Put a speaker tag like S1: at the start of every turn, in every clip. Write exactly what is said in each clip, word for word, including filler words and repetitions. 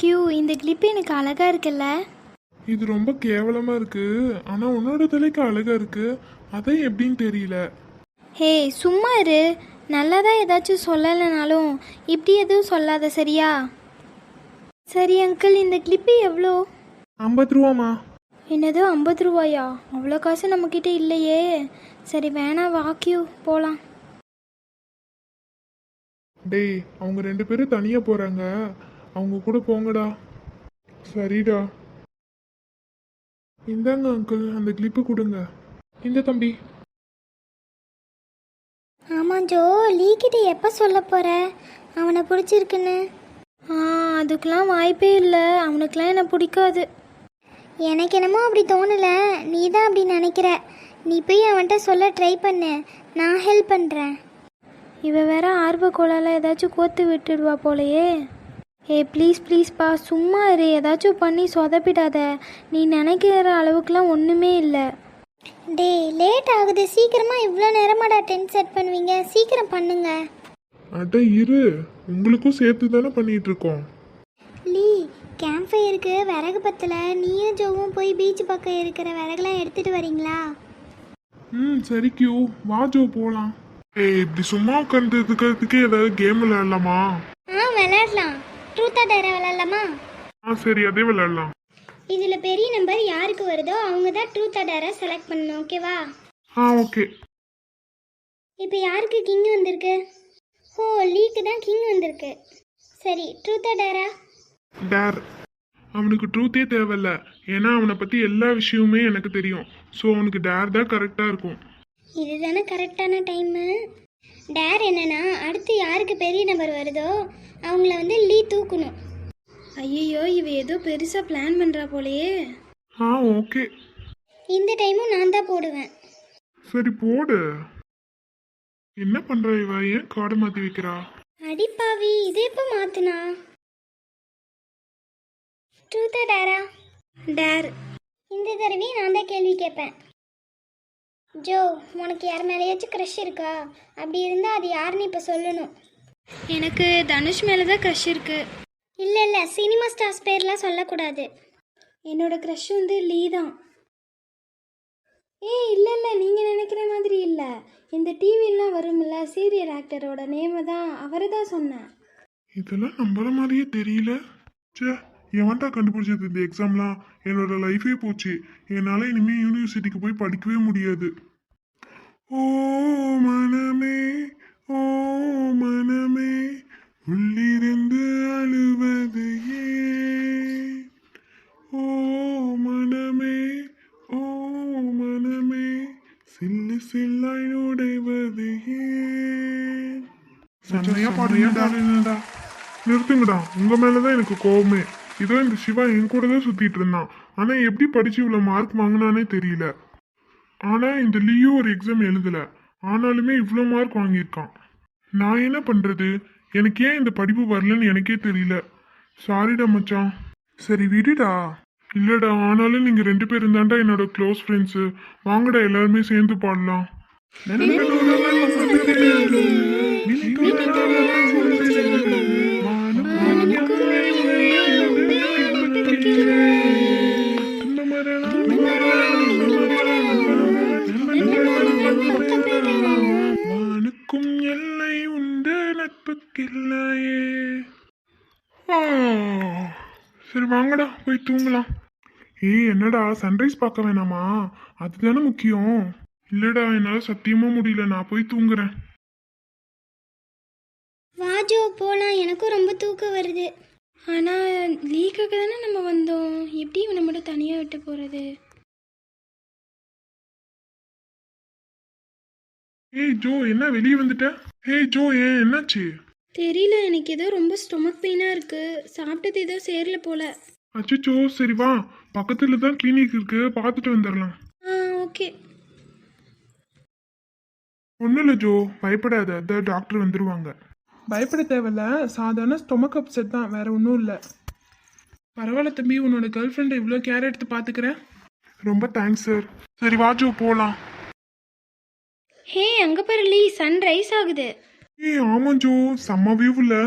S1: Q, இந்த clip எனக்கு அழகா இருக்குல்ல?
S2: இது ரொம்ப கேவலமா இருக்கு. ஆனா உன்னோட தலைக்கு அழகா இருக்கு. அதை எப்படின்னு தெரியல.
S1: ஹே சும்மா இரு. நல்லதா ஏதாச்சும் சொல்லலைனாலும் இப்படி எதுவும் சொல்லாத சரியா? சரி அங்கிள், இந்த கிளிப்பு எவ்வளோ?
S2: ஐம்பது ரூபாமா?
S1: என்னது ஐம்பது ரூபாயா? அவ்வளோ காசு நம்மக்கிட்ட இல்லையே. சரி வேணா வா கியூ போகலாம்.
S2: டேய், அவங்க ரெண்டு பேரும் தனியா போறாங்க, அவங்க கூட போங்கடா. சரிடா. இந்தாங்க அங்கிள், அந்த கிளிப்பு கொடுங்க. இந்த தம்பி.
S1: ஆமாம் ஜோ, லீக்கிட்ட எப்போ சொல்ல போகிற அவனை பிடிச்சிருக்குன்னு? ஆ அதுக்கெலாம் வாய்ப்பே இல்லை. அவனுக்கெலாம் என்னை பிடிக்காது. எனக்கு என்னமோ அப்படி தோணலை. நீ தான் அப்படி நினைக்கிற. நீ போய் அவன்கிட்ட சொல்ல ட்ரை பண்ணு. நான் ஹெல்ப் பண்ணுறேன். இவ வேற ஆர்வக்கோளால ஏதாச்சும் கோத்து விட்டுடுவா போலையே. ஏ ப்ளீஸ் ப்ளீஸ்ப்பா சும்மா இரு. ஏதாச்சும் பண்ணி சொதப்பிடாத. நீ நினைக்கிற அளவுக்குலாம் ஒன்றுமே இல்லை. டே லேட் ஆகுது. சீக்கிரமாக இவ்வளோ நேரமாடா டென்ட் செட் பண்ணுவீங்க? சீக்கிரம் பண்ணுங்க.
S2: அட இரு, உங்களுக்கும் சேர்த்து தானே பண்ணிட்டு இருக்கோம்.
S1: லீ, கேம்ப் ஃபயருக்கு விறகு பத்தல. நீயும் ஜோவும் போய் பீச் பக்கம் இருக்கிற விறகுலாம் எடுத்துட்டு வரீங்களா?
S2: ம் சரி கியூ, வா ஜோ போலாம். ஏய், இப்படி சும்மா உட்காந்துக்கிறதுக்கு ஏதாவது கேம் விளையாடலாமா?
S1: ஆ விளையாடலாம். ட்ரூத்தா டேரா விளையாடலாமா?
S2: ஆ சரி, அதே விளையாடலாம்.
S1: இதில் பெரிய நம்பர் யாருக்கு வருதோ அவங்க தான் ட்ரூத்தா டேரா செலக்ட் பண்ணணும். ஓகேவா?
S2: ஆ ஓகே.
S1: இப்போ யாருக்கு கிங் வந்திருக்கு? ஓ, லீக்கு தான் கிங் வந்திருக்கு. சரி, ட்ரூத்தா டேரா?
S2: டேர். அவனுக்கு ட்ரூத்தே தேவையில்ல, ஏன்னா அவனை பற்றி எல்லா விஷயமுமே எனக்கு தெரியும். ஸோ அவனுக்கு டேர் தான் கரெக்டாக இருக்கும்.
S1: இதுதானே கரெக்டான டைமு. டேர் என்னன்னா, அடுத்து யாருக்கு பெரிய நம்பர் வருதோ அவங்கள வந்து லீ தூக்கணும். ஐயோ, இவ ஏதோ பெருசாக பிளான் பண்ணுறா போலையே.
S2: ஆ ஓகே.
S1: இந்த டைமும் நான் தான் போடுவேன்.
S2: சரி போடு. என்ன பண்ற இவ? ஏன் கார்டு மாற்றி வைக்கிறா?
S1: அடிப்பாவி, இது எப்போ மாத்துனா? ட்ரூத்தா டேரா? டேர். இந்த தடவையும் நான் தான் கேள்வி கேட்பேன். ஜோ, உனக்கு யார் மேலேயாச்சும் க்ரஷ் இருக்கா? அப்படி இருந்தால் அது யாருன்னு இப்போ சொல்லணும். எனக்கு தனுஷ் மேலே தான் க்ரஷ் இருக்கு. இல்லை இல்லை, சினிமா ஸ்டார்ஸ் பேர்லாம் சொல்லக்கூடாது. என்னோட க்ரஷ் வந்து லீ தான். ஏய் இல்லை இல்லை, நீங்கள் நினைக்கிற மாதிரி இல்லை. இந்த டிவிலாம் வரும்ல சீரியல் ஆக்டரோட நேமை தான், அவரை தான் சொன்னேன்.
S2: இதெல்லாம் நம்புற மாதிரியே தெரியல. சே, எவன்டா கண்டுபிடிச்சது இந்த எக்ஸாம்லாம்? என்னோட லைஃபே போச்சு. என்னால் இனிமேல் யூனிவர்சிட்டிக்கு போய் படிக்கவே முடியாது. ஓ மனமே, ஓ மனமே, உள்ளிருந்து அழுவது ஏன்? ஓ மனமே, ஓ மனமே, சில்லு சில்லாய் நுடைவது ஏன்? செம்மையா பாடுறீங்கடா. நிறுத்துங்கடா, உங்க மேலதான் எனக்கு கோவமே. இதோ இந்த சிவா என் கூட தான் சுத்திட்டு இருந்தான். ஆனா எப்படி படிச்சு இவ்வளவு மார்க் வாங்கினானே தெரியல. ஆனா இந்த லியோ ஒரு எக்ஸாம் எழுதல, ஆனாலுமே இவ்வளோ மார்க் வாங்கியிருக்கான். நான் என்ன பண்றது? எனக்கு ஏன் இந்த படிப்பு வரலன்னு எனக்கே தெரியல. சாரிடா மச்சான். சரி விடுடா. இல்லடா, ஆனாலும் நீங்க ரெண்டு பேரும் தான்டா என்னோட க்ளோஸ் ஃப்ரெண்ட்ஸு. வாங்கடா எல்லாருமே சேர்ந்து பாடலாம். வானுக்கும் எல்லை உண்டு நட்புக்கில்லையே. சரி வாங்கடா போய் தூங்கலாம். ஏய் என்னடா, சன்ரைஸ் பார்க்க வேணாமா? அதுதானே முக்கியம். இல்லடா, என்னால சத்தியமா முடியல, நான் போய் தூங்குறேன்.
S1: வாஜோ போகலாம், எனக்கும் ரொம்ப தூக்கம் வருது. ஆனால் லீக்காக தானே நம்ம வந்தோம். எப்படி இவனை மட்டும் தனியாக விட்டு போகிறது?
S2: ஏய் ஜோ, என்ன வெளியே வந்துட்ட? ஏய் ஜோ, ஏன் என்னாச்சு?
S1: தெரியல, எனக்கு ஏதோ ரொம்ப ஸ்டொமக் பெயினாக இருக்குது. சாப்பிட்டது ஏதோ சேரல போல.
S2: அச்சோ, சரி வா, பக்கத்துல தான் கிளினிக் இருக்கு, பார்த்துட்டு வந்துடலாம்.
S1: ஆ ஓகே.
S2: ஒன்றும் இல்லை ஜோ, பயப்படாத, அதான் டாக்டர் வந்துடுவாங்க. பயப்பட தேவையில்ல, சாதாரண ஸ்டொமக் அப்செட் தான், வேற ஒன்றும் இல்லை. பரவாயில்ல தம்பி, உன்னோட கேர்ள் ஃப்ரெண்டை இவ்வளோ கேர் எடுத்து பார்த்துக்கிறேன். ரொம்ப தேங்க்ஸ் சார். சரி வா ஜோ போகலாம்.
S1: ஹே அங்கே பாரு லீ, சன் ரைஸ் ஆகுது.
S2: ஏய் ஆமாம் ஜோ, செம்ம வியூ இல்லை?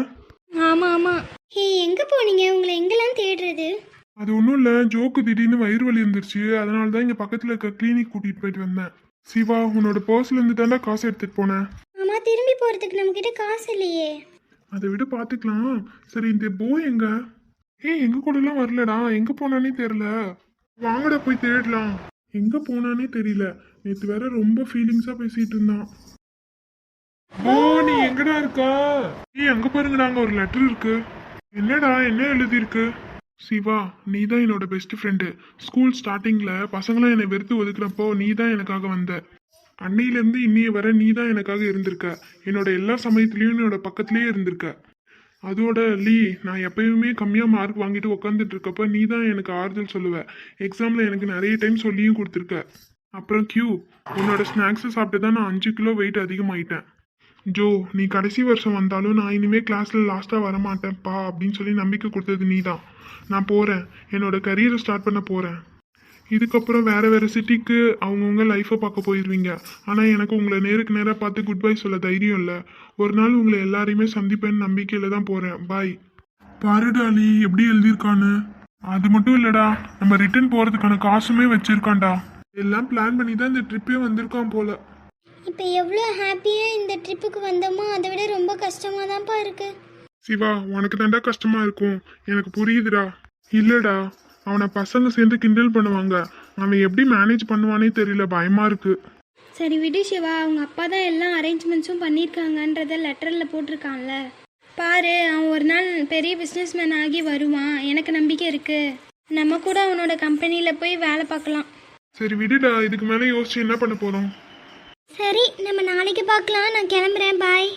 S1: ஆமாம் ஆமாம். ஹே, எங்கே போனீங்க? உங்களை எங்கெல்லாம் தேடுறது?
S2: அது ஒன்றும் இல்லை, ஜோக்கு திடீர்னு வயிறு வலி இருந்துருச்சு, அதனால தான் இங்கே பக்கத்தில் இருக்க கிளினிக் கூட்டிகிட்டு போயிட்டு வந்தேன். சிவா, உன்னோட பர்ஸ்லேருந்து தாண்டா காசு எடுத்துகிட்டு போனேன்.
S1: ஆமாம், திரும்பி போகிறதுக்கு நம்மக்கிட்ட காசு இல்லையே.
S2: அதை விட பார்த்துக்கலாம். சரி, இந்த போய் எங்க? ஏய், எங்க கூடலாம் வரலடா, எங்கே போனானே தெரில. வாங்கடா போய் தேடலாம். எங்கே போனானே தெரியல. நேற்று வேற ரொம்ப ஃபீலிங்ஸாக பேசிகிட்டு இருந்தான். ஓ, நீ எங்கடா இருக்கா? ஏய், அங்கே பாருங்கடா, அங்கே ஒரு லெட்டர் இருக்கு. என்னடா, என்ன எழுதியிருக்கு? சிவா, நீ தான் என்னோட பெஸ்ட் ஃப்ரெண்டு. ஸ்கூல் ஸ்டார்டிங்கில் பசங்களாம் என்னை வெறுத்து ஒதுக்குறப்போ நீ தான் எனக்காக வந்த. அன்னையிலேருந்து இன்னைய வர நீ தான் எனக்காக இருந்திருக்க. என்னோட எல்லா சமயத்துலேயும் என்னோட பக்கத்துலேயே இருந்திருக்க. அதோட லீ, நான் எப்பயுமே கம்மியாக மார்க் வாங்கிட்டு உட்காந்துட்டு இருக்கப்ப நீ தான் எனக்கு ஆறுதல் சொல்லுவ. எக்ஸாமில் எனக்கு நிறைய டைம் சொல்லியும் கொடுத்துருக்க. அப்புறம் கியூ, உன்னோட ஸ்நாக்ஸை சாப்பிட்டு தான் நான் அஞ்சு கிலோ வெயிட் அதிகமாயிட்டேன். ஜோ, நீ கடைசி வருஷம் வந்தாலும் நான் இனிமேல் கிளாஸில் லாஸ்ட்டாக வரமாட்டேன்ப்பா அப்படின்னு சொல்லி நம்பிக்கை கொடுத்தது நீ தான். நான் போகிறேன், என்னோட கரியரை ஸ்டார்ட் பண்ண போகிறேன். இதுக்கப்புறம் வேறு வேறு சிட்டிக்கு அவங்கவுங்க லைஃப்பை பார்க்க போயிடுவீங்க. ஆனால் எனக்கு உங்களை நேருக்கு நேராக பார்த்து குட் பை சொல்ல தைரியம் இல்லை. ஒரு நாள் உங்களை எல்லாரையுமே சந்திப்பேன்னு நம்பிக்கையில் தான் போகிறேன். பாய். பாருடாலி, எப்படி எழுதியிருக்கான்னு. அது மட்டும் இல்லைடா, நம்ம ரிட்டர்ன் போகிறதுக்கான காசுமே வச்சுருக்கான்டா. எல்லாம் பிளான் பண்ணி தான் இந்த ட்ரிப்பே வந்திருக்கான் போல.
S1: இப்போ எவ்வளோ ஹாப்பியாக இந்த ட்ரிப்புக்கு வந்தோமோ அதை விட ரொம்ப கஷ்டமாக தான்ப்பா இருக்குது.
S2: சிவா, உனக்கு தாண்டா கஷ்டமா இருக்கும், எனக்கு புரியுதுடா. இல்லடா, அவனை பசங்க சேர்ந்து கிண்டல் பண்ணுவாங்க. அவன் எப்படி மேனேஜ் பண்ணுவானே தெரியல, பயமா இருக்கு.
S1: சரி விடு சிவா, அவங்க அப்பா தான் எல்லாம் அரேஞ்ச்மெண்ட்ஸும் பண்ணியிருக்காங்கன்றத லெட்டரில் போட்டிருக்கான்ல. பாரு, அவன் ஒரு நாள் பெரிய பிஸ்னஸ் மேன் ஆகி வருவான். எனக்கு நம்பிக்கை இருக்குது. நம்ம கூட அவனோட கம்பெனியில் போய் வேலை பார்க்கலாம்.
S2: சரி விடுடா, இதுக்கு மேலே யோசிச்சு என்ன பண்ண போறோம்?
S1: சரி, நம்ம நாளைக்கு பார்க்கலாம். நான் கிளம்புறேன். பாய்.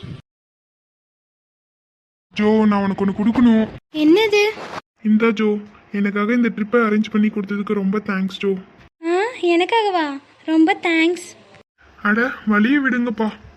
S2: ஜோ, நான் உனக்கு ஒன்று கொடுக்கணும்.
S1: என்னது?
S2: இந்தா ஜோ, எனக்காக இந்த ட்ரிப்பை அரேஞ்ச் பண்ணி கொடுத்ததுக்கு ரொம்ப தேங்க்ஸ் ஜோ.
S1: ஆ, எனக்காகவா? ரொம்ப தேங்க்ஸ்.
S2: அட, வழியை விடுங்கப்பா.